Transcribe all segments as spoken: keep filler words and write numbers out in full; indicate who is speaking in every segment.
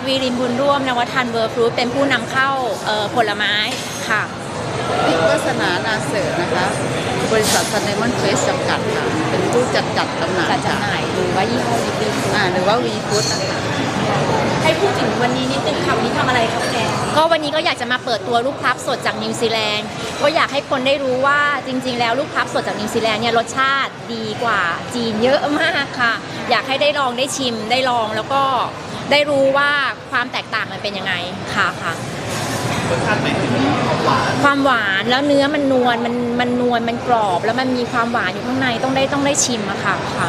Speaker 1: วีรินบุญร่วมนวัฒน์เวอร์ฟรุตเป็นผู้นำเข้าผลไม้ค่ะ
Speaker 2: ติ๊กวาสนานาเสร์นะคะบริษัทซันไดมอนด์เฟสจำกัดค่ะเป็นผู้จัดจัดจำหน่าย
Speaker 1: จัดจำหน่ายหรือว่ายี่ห้อวี
Speaker 2: อ่าหรือว่าวีฟู้ดนะคะ
Speaker 1: ให้พูดถึงวันนี้นิดนึงค่ะวันนี้ทำอะไรครับแกก็วันนี้ก็อยากจะมาเปิดตัวลูกพลับสดจากนิวซีแลนด์ก็อยากให้คนได้รู้ว่าจริงๆแล้วลูกพลับสดจากนิวซีแลนด์เนี่ยรสชาติดีกว่าจีนเยอะมากค่ะอยากให้ได้ลองได้ชิมได้ลองแล้วก็ได้รู้ว่าความแตกต่างมันเป็นยังไงค่ะค่ะ
Speaker 3: รสชาติไหนความหวาน
Speaker 1: ความหวานแล้วเนื้อมันนวลมันมันนวลมันกรอบแล้วมันมีความหวานอยู่ข้างในต้องได้ต้องได้ชิมอะค่ะค่ะ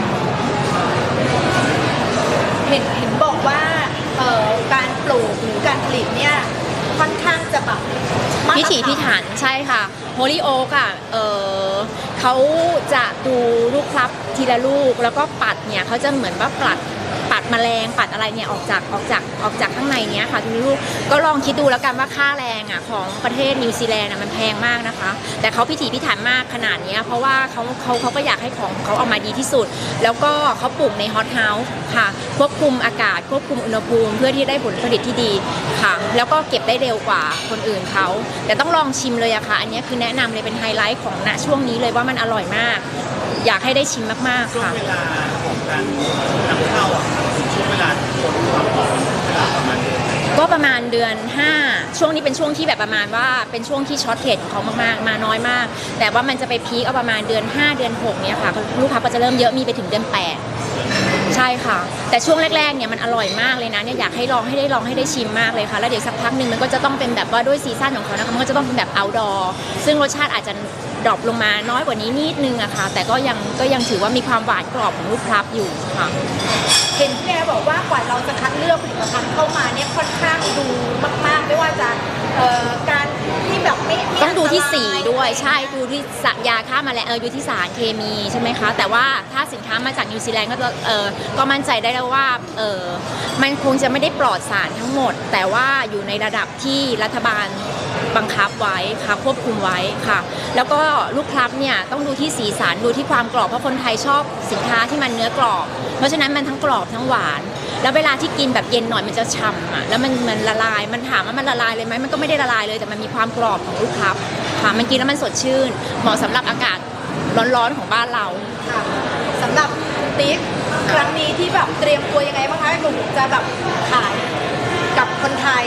Speaker 4: เห็นเห็นบอกว่าการปลูกหรือการผลิตเนี่ยค่อนข้างจะแบบ
Speaker 1: พิถีพิถันใช่ค่ะโฮลิโอกอ่ะเออเขาจะดูลูกพลับทีละลูกแล้วก็ปัดเนี่ยเขาจะเหมือนว่าปัดปัดแมลงปัดอะไรเนี่ยออกจากออกจากออกจากข้างในเนี้ยค่ะทุกลูกก็ลองคิดดูแล้วกันว่าค่าแรงอ่ะของประเทศนิวซีแลนด์มันแพงมากนะคะแต่เขาพิถีพิถันมากขนาดนี้เพราะว่าเขาเขาเขาก็อยากให้ของเขาออกมาดีที่สุดแล้วก็เขาปลูกในฮอตเฮาส์ค่ะควบคุมอากาศควบคุมอุณหภูมิเพื่อที่ได้ผลผลิตที่ดีค่ะแล้วก็เก็บได้เร็วกว่าคนอื่นเขาแต่ต้องลองชิมเลยอะค่ะอันนี้คือแนะนำเลยเป็นไฮไลท์ของณช่วงนี้เลยว่ามันอร่อยมากอยากให้ได้ชิมมากๆค่ะ
Speaker 3: ช่วงเวลาของการนำเข้าอ่ะช่วงเวลาคนความหอมเวลาประมาณ
Speaker 1: ก็ประมาณเดือนห้าช่วงนี้เป็นช่วงที่แบบประมาณว่าเป็นช่วงที่ช็อตเทรดของเขามากๆมาน้อยมากแต่ว่ามันจะไปพีคเอาประมาณเดือนห้าเดือนหกเนี่ยค่ะลูกค้าก็จะเริ่มเยอะมีไปถึงเดือนแปดใช่ค่ะแต่ช่วงแรกๆเนี่ยมันอร่อยมากเลยนะเนี่ยอยากให้ลองให้ได้ลองให้ได้ชิมมากเลยค่ะแล้วเดี๋ยวสักพักหนึ่งมันก็จะต้องเป็นแบบว่าด้วยซีซั่นของเขานะคะมันก็จะต้องเป็นแบบ outdoor ซึ่งรสชาติอาจจะดรอปลงมาน้อยกว่านี้นิดนึงอะค่ะแต่ก็ยังก็ยังถือว่ามีความหวานกรอบของลูกพลับอยู่ค่ะ
Speaker 4: เห็นพี่แอร์บอกว่ากว่าเราจะคัดเลือกผลิตภัณฑ์เข้ามาเนี่ยค่อนข้างดูมากๆไม่ว่าจะการที่แบบไม่
Speaker 1: ต้องดูที่สีด้วยใช่ดูที่ยาฆ่าแมลงเออดูที่สารเคมีใช่ไหมคะแต่ว่าถ้าสินค้ามาจากนิวซีแลนด์ก็จะเออก็มั่นใจได้แล้วว่าเออมันคงจะไม่ได้ปลอดสารทั้งหมดแต่ว่าอยู่ในระดับที่รัฐบาลบังคับไว้ค่ะควบคุมไว้ค่ะแล้วก็ลูกพลับเนี่ยต้องดูที่สีสันดูที่ความกรอบเพราะคนไทยชอบสินค้าที่มันเนื้อกรอบเพราะฉะนั้นมันทั้งกรอบทั้งหวานแล้วเวลาที่กินแบบเย็นหน่อยมันจะฉ่ำอ่ะแล้วมันมันละลายมันถามว่ามันละลายเลยไหมมันก็ไม่ได้ละลายเลยแต่มันมีความกรอบของลูกพลับค่ะมันกินแล้วมันสดชื่นเหมาะสำหรับอากาศร้อนๆของบ้านเรา
Speaker 4: ค่ะสำหรับติ๊กครั้งนี้ที่แบบเตรียมตัวยังไงบ้างคะหนูจะแบบขายกับคนไทย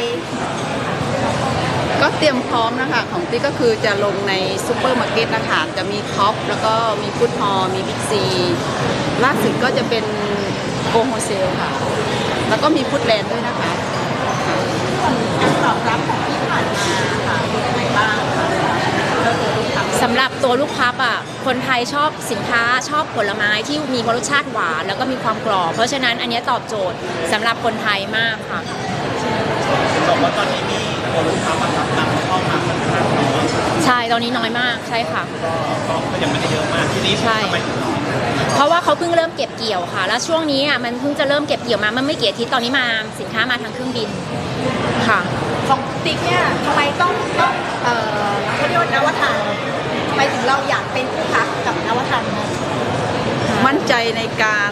Speaker 2: ก็เตรียมพร้อมนะคะของติ๊กก็คือจะลงในซูเปอร์มาร์เก็ตนะคะจะมีท็อปแล้วก็มีฟู้ดฮอลล์มีบิ๊กซีล่าสุดก็จะเป็นโกโฮเซลค่ะแล้วก็มีฟู้ดแลนด์ด้วยนะคะ
Speaker 4: การตอบรับของที่ผ่านมาค่ะเป็นยังไงบ้าง
Speaker 1: สำหรับตัวลูกพลับอ่ะคนไทยชอบสินค้าชอบผลไม้ที่มีรสชาติหวานแล้วก็มีความกรอบเพราะฉะนั้นอันนี้ตอบโจทย์สำหรับคนไทยมากค่ะ
Speaker 3: บอกว่าตอนนี้มีตัวลูกค้ามารับนำเข้ามาค่อนข้างน้อย
Speaker 1: ใช่ตอนนี้น้อยมากใช่ค่ะ
Speaker 3: ก็ยังไม่ได้เยอะมากทีนี้
Speaker 1: ใช่เพราะว่าเขาเพิ่งเริ่มเก็บเกี่ยวค่ะแล้วช่วงนี้อ่ะมันเพิ่งจะเริ่มเก็บเกี่ยวมามันไม่กี่อาทิตย์ตอนนี้มาสินค้ามาทางเครื่องบินค่ะ
Speaker 4: ของติ๊กเนี่ยทำไมต้องต้องเอ่อเขาเรียกว่านวัฒน์ทำไมถึงเราอยากเป็นผู้ค้ากับนวัฒน์
Speaker 2: มั่นใจในการ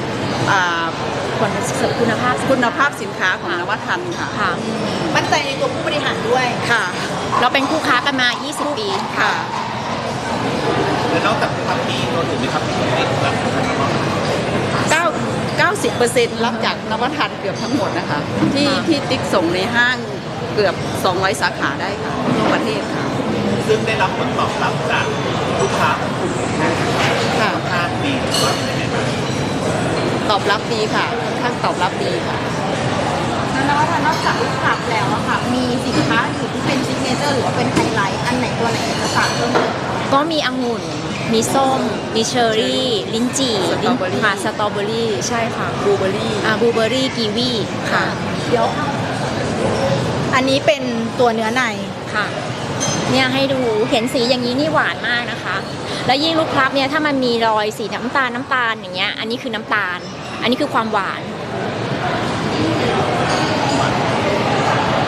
Speaker 1: คุณภาพ
Speaker 2: คุณภาพสินค้าของนวัฒน์ค่ะ
Speaker 1: ค่ะ
Speaker 4: มั่นใจในตัวผู้บริหารด้วย
Speaker 2: ค่ะ
Speaker 1: เราเป็นคู่ค้ากันมายี่สิบปี
Speaker 2: ค่ะ
Speaker 3: แล้วนอกจากทำมีตัวอื่นไหมครับที่ติดแบบ
Speaker 2: เก้าเก้าสิบเปอร์เซ็นต์รับจากนวัฒน์เกือบทั้งหมดนะคะที่ที่ติ๊กส่งในห้างเกือบสองร้อยสาขาได้ค่ะทั่วประเทศค่ะ
Speaker 3: ซึ่งได้รับผลตอบรับจากลูกค้าของกลุ่ม
Speaker 2: ค่ะ
Speaker 3: ค่อนข้างดีว่าเป็นยังไงบ้าง
Speaker 2: ตอบรับดีค่ะค่อนข้างตอบรับดีค่ะ
Speaker 4: แล้วนอกจากลูกค้าแล้วอะค่ะมีสินค้าอื่นที่เป็นซิกเนเจอร์หรือว่าเป็นไฮไลท์อันไหนตัวไหนจะฝากเพิ่มเติม
Speaker 1: ก็มีองุ่นมีส้มมีเชอร์รี่ลิ้นจี่ลิ้นค่ะสตรอเบอรี่ใช่ค่ะ
Speaker 2: บลูเบอรี่
Speaker 1: อ่าบลูเบอรี่กีวีค่ะ
Speaker 4: เดี๋ยวอันนี้เป็นตัวเนื้อใน
Speaker 1: ค่ะเนี่ยให้ดูเห็นสีอย่างนี้นี่หวานมากนะคะแล้วยิ่งลูกพลับเนี่ยถ้ามันมีรอยสีน้ำตาลน้ำตาลอย่างเงี้ยอันนี้คือน้ำตาลอันนี้คือความหวาน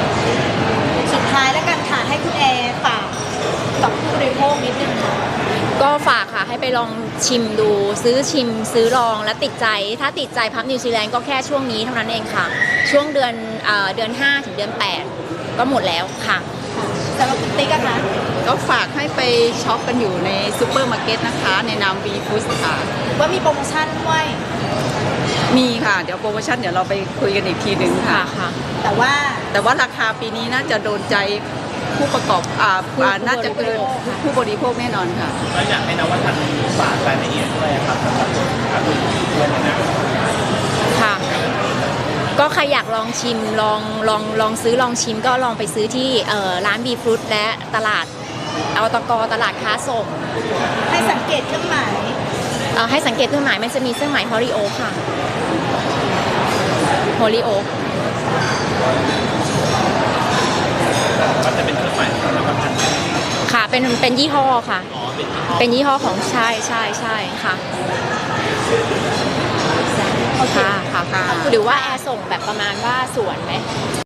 Speaker 4: สุดท้ายแล้วกันค่ะให้คุณแอร์ฝากกับผู้บริโภคนิดนึงค่ะ
Speaker 1: ก็ฝากค่ะให้ไปลองชิมดูซื้อชิมซื้อลองแล้วติดใจถ้าติดใจพับนิวซีแลนด์ก็แค่ช่วงนี้เท่านั้นเองค่ะ ช่วงเดือนเอ่อเดือนห้าถึงเดือนแปดก็หมดแล้วค่ะ
Speaker 4: สำหรับคุณติ๊กอะคะ
Speaker 2: ก็ฝากให้ไปช็อปกันอยู่ในซูเปอร์มาร์เก็ตนะคะ ในนามวีฟู้ดค่ะ
Speaker 4: ว่ามีโปรโมชั่นด้วย
Speaker 2: มีค่ะ เดี๋ยวโปรโมชั่นเดี๋ยวเราไปคุยกันอีกทีหนึ่งค่ะ
Speaker 1: ค่ะ
Speaker 4: แต่ว่า
Speaker 2: แต่ว่าราคาปีนี้น่าจะโดนใจผู้ประกอบอ่า
Speaker 1: ผู้
Speaker 2: อ่าน่าจะเกิน
Speaker 1: ผู้บริโภคค่ะ
Speaker 2: ผู้บริโภคแน่นอนค่ะ
Speaker 3: แล้วอยากให้นวัตกรรมฝากรายละเอียดด้วยครับสำหรับการดูด้วยนะ
Speaker 1: ค่ะ ก็ใครอยากลองชิมลองลองลองซื้อลองชิมก็ลองไปซื้อที่เอ่อร้านบีฟรุตและตลาดอตกตลาดค้าส่ง
Speaker 4: ให้สังเกตเครื่องหมาย
Speaker 1: เอ่อให้สังเกตเครื่องหมายมันจะมีเครื่องหมายฮอริโอค่ะฮอริโอ
Speaker 3: ก็จะเป็นเครื่องหมายสำหรับประกัน
Speaker 1: ค่ะเป็นเป็นยี่ห้อค่ะ
Speaker 3: อ๋อเป็น
Speaker 1: เป็นยี่ห้อของใช่ใช่ใช่ค่ะค่ะค่ะ
Speaker 2: ค่ะ
Speaker 1: หรือว่าแอร์ส่งแบบประมาณว่าสวนไหม